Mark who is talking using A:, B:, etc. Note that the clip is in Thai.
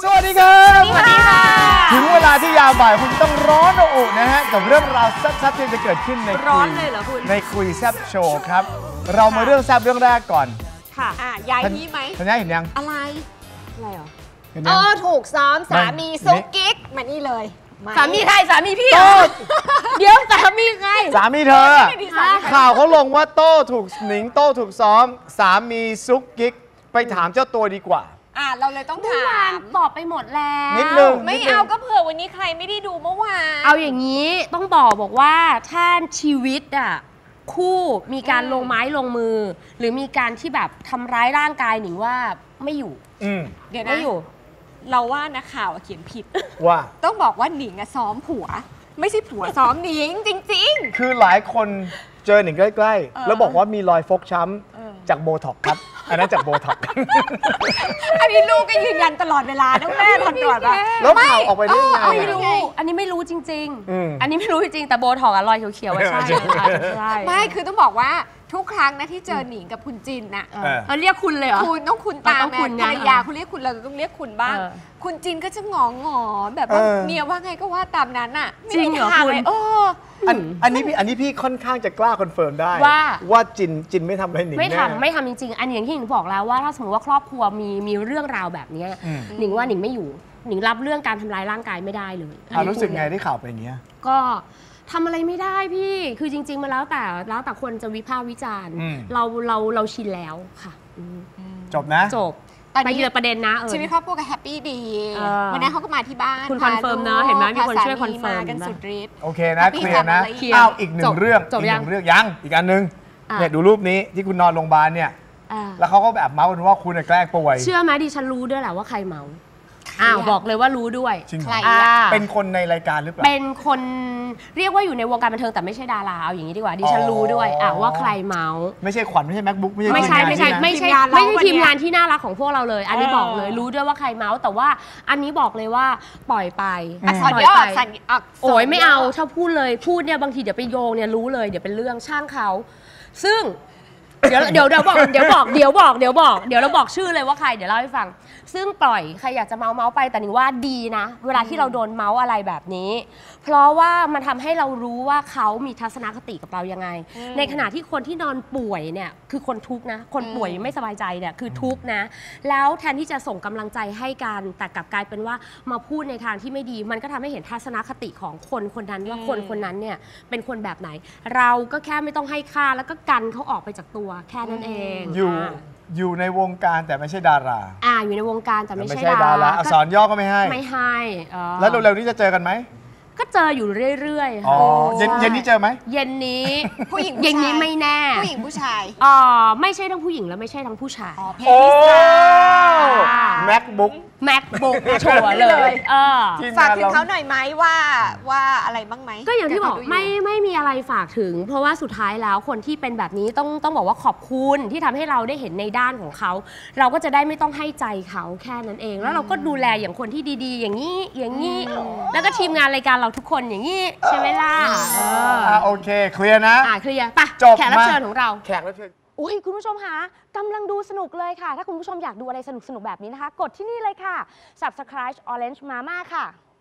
A: สวัสดีครับ
B: สวัสดีค่ะ
A: ถึงเวลาที่ยามบ่ายคุณต้องร้อนระอุนะฮะกับเรื่องราวแซ่บๆที่จะเกิดขึ้นใน
B: ร้อนเลยเหรอคุณ
A: ในคุยแซ่บโชว์ครับเรามาเรื่องแซ่บเรื่องแรกก่อน
B: ค่ะยายนี้ไหม
A: ทันยาเห็นยัง
B: อะไรเหรอ
C: ถูกซ้อมสามีซุกกิ๊กมานี่เลย
B: สามีใครสามีพี่เดี๋ยวสามีใคร
A: สามีเธอข่าวเขาลงว่าโต้ถูกหนิงโต้ถูกซ้อมสามีซุกกิ๊กไปถามเจ้าตัวดีกว่า
C: เราเลยต้องถาม
B: ตอบไปหมดแล้ว
A: นิดนึง
C: ไม่เอาก็เผื่อวันนี้ใครไม่ได้ดูเมื่อวาน
B: เอาอย่างนี้ต้องบอกว่าถ้าชีวิตคู่มีการลงไม้ลงมือหรือมีการที่แบบทำร้ายร่างกายหนิงว่าไม่อยู่
C: เดี๋ยวนะ
B: ไม่อยู่
C: เราว่านักข่าวเขียนผิด
A: ว่า
C: ต้องบอกว่าหนิงซ้อมผัวไม่ใช่ผัวซ้อมหนิงจริงๆ
A: คือหลายคนเจอหนิงใกล้ๆแล้วบอกว่ามีรอยฟกช้ำจากโบท็อกครับอันนั้นจากโบท็อก
C: อันนี้ลูกก็ยืนยันตลอดเวลาต้องแม่ทนตรวจ
A: แล้วข่าวออกไปได้ยังไง
B: ไม่รู้อันนี้ไม่รู้จริงๆอันนี้ไม่รู้จริงๆแต่โบท็อกรอยเขียวๆใช่
C: ไม่คือต้องบอกว่าทุกครั้งนะที่เจอหนิงกับคุณจินน่ะ
B: เรียกคุณเลยเหรอ
C: คุณต้องคุณตามแม่ภรรยาคุณเรียกคุณเราต้องเรียกคุณบ้างคุณจินก็จะงอแบบว่าเมียว่าไงก็ว่าตามนั้นน่ะ
B: จริงเหรอคุณ
A: อันนี้พี่ค่อนข้างจะกล้าคอนเฟิร์มได้ว่าจินไม่ทำอะไรหนิง
B: ไม่ทำจริงๆอันอย่างที่หนิงบอกแล้วว่าถ้าสมมติว่าครอบครัวมีเรื่องราวแบบนี้หนิงว่าหนิงไม่อยู่หนิงรับเรื่องการทำร้ายร่างกายไม่ได้เลย
A: รู้สึกไงที่ข่าวไปอย่างเงี้ย
B: ก็ทำอะไรไม่ได้พี่คือจริงๆมาแล้วแต่คนจะวิพากษ์วิจารณ์เราชินแล้วค่ะ
A: จบนะ
B: จบไปเยอะประเด็นนะ
C: ชีวิตครอบครัวก็แฮปปี้ดีวันนี้เขาก็มาที่บ้าน
B: คุณคอนเฟิร์มนะเห็นไหมมีคนช่วยคอนเฟิร์ม
C: กันสุดฤทธิ์
A: โอเคนะเคลียร์นะอีกหนึ่งเรื่องยังอีกอันนึงเนี่ยดูรูปนี้ที่คุณนอนโรงพยาบาลเนี่ยแล้วเขาก็แบบเมาส์กันว่าคุณแกล้งป่วย
B: เชื่อไหมดิฉันรู้ด้วยแหละว่าใครเมาบอกเลยว่ารู้ด้วย
A: ใครเป็นคนในรายการหรือเปล่า
B: เป็นคนเรียกว่าอยู่ในวงการบันเทิงแต่ไม่ใช่ดาราเอาอย่างนี้ดีกว่าดิฉันรู้ด้วยว่าใครเมาส์
A: ไม่ใช่ขวัญไม่ใช่แม็กบุ๊ก
B: ไม่ใช่ทีมงานที่น่ารักของพวกเราเลยอันนี้บอกเลยรู้ด้วยว่าใครเมาส์แต่ว่าอันนี้บอกเลยว่าปล่อยไปโอ้ยไม่เอาถ้าพูดเลยพูดเนี่ยบางทีเดี๋ยวไปโยงเนี่ยรู้เลยเดี๋ยวเป็นเรื่องช่างเขาซึ่งเดี๋ยวเราบอกชื่อเลยว่าใครเดี๋ยวเล่าให้ฟังซึ่งปล่อยใครอยากจะเมาไปแต่หนิงว่าดีนะเวลาที่เราโดนเมาอะไรแบบนี้เพราะว่ามันทำให้เรารู้ว่าเขามีทัศนคติกับเรายังไงในขณะที่คนที่นอนป่วยเนี่ยคือคนทุกข์นะคนป่วยไม่สบายใจเนี่ยคือทุกข์นะแล้วแทนที่จะส่งกำลังใจให้กันแต่กลับกลายเป็นว่ามาพูดในทางที่ไม่ดีมันก็ทำให้เห็นทัศนคติของคนนั้นว่าคนนั้นเนี่ยเป็นคนแบบไหนเราก็แค่ไม่ต้องให้ค่าแล้วก็กันเขาออกไปจากตัวแค่นั้นเอง
A: อยู่ในวงการแต่ไม่ใช่ดารา
B: อยู่ในวงการแต่ไม่ใช่
A: ดาราอักษรย่อก็ไม่ให้แล้วเร็วๆนี้จะเจอกันไหม
B: ก็เจออยู่เรื่อยๆ
A: ค่ะเย็นนี้เจอไหม
B: เย็นนี้
C: ผู้หญิง
B: เย็นนี้ไม่แน่
C: ผู้หญิงผู้ชาย
B: ไม่ใช่ทั้งผู้หญิงและไม่ใช่ทั้งผู้ชาย
A: โอ้แม็กบุ๊ก
B: ชัวร์เลย
C: ฝากถึงเขาหน่อยไหมว่าอะไรบ้างไหม
B: ก็อย่างที่บอกไม่มีอะไรฝากถึงเพราะว่าสุดท้ายแล้วคนที่เป็นแบบนี้ต้องบอกว่าขอบคุณที่ทำให้เราได้เห็นในด้านของเขาเราก็จะได้ไม่ต้องให้ใจเขาแค่นั้นเองแล้วเราก็ดูแลอย่างคนที่ดีๆอย่างนี้แล้วก็ทีมงานรายการเราทุกคนอย่างนี้ใช่ไหมล่ะ
A: โอเคเคลียร์นะ
B: เคลียร์ไปแขกรับเชิญของเรา
A: แขกรับเชิญ
D: อุ้ยคุณผู้ชมคะกำลังดูสนุกเลยค่ะถ้าคุณผู้ชมอยากดูอะไรสนุกๆแบบนี้นะคะกดที่นี่เลยค่ะ Subscribe Orange Mama ค่ะ